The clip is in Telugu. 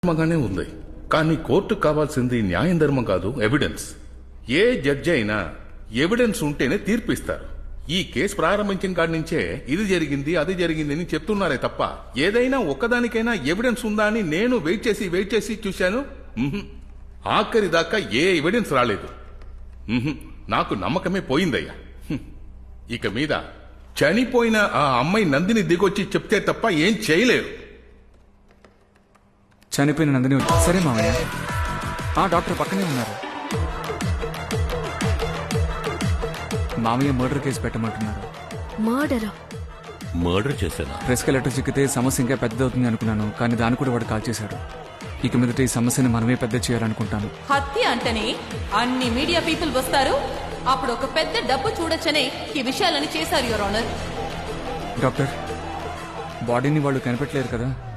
ధర్మంగానే ఉంది. కానీ కోర్టుకు కావాల్సింది న్యాయం ధర్మం కాదు, ఎవిడెన్స్. ఏ జడ్జి అయినా ఎవిడెన్స్ ఉంటేనే తీర్పిస్తారు. ఈ కేసు ప్రారంభించిన కాడి నుంచే ఇది జరిగింది అది జరిగింది అని చెప్తున్నారే తప్ప ఏదైనా ఒక్కదానికైనా ఎవిడెన్స్ ఉందా అని నేను వెయిట్ చేసి చూశాను. ఆఖరి దాకా ఏ ఎవిడెన్స్ రాలేదు. నాకు నమ్మకమే పోయిందయ్యా. ఇక మీద చనిపోయిన ఆ అమ్మాయి నందిని దిగొచ్చి చెప్తే తప్ప ఏం చేయలేరు. చనిపోయిన నందిని సరే మామయ్య, ఆ డాక్టర్ పక్కనే ఉన్నారు. మామయ్య మర్డర్ కేసు పెట్టమంటున్నారు. మర్డర్ చేశానా? ప్రెస్ కి లెటర్ చిక్కితే సమస్య ఇంకా పెద్దదవుతుంది అనుకున్నాను, కానీ దాన్ని కూడా వాడు కాల్ చేశాడు. ఇక మీదట ఈ సమస్యని మనమే పెద్ద చేయాలనుకుంటాను. హత్య అంటేనే అన్ని మీడియా పీపుల్ వస్తారు, అప్పుడు ఒక పెద్ద డబ్బు చూడొచ్చనే ఈ విషయాలని చేశారు యువర్ ఆనర్. డాక్టర్, బాడీని వాళ్ళు కనిపెట్టలేరు కదా?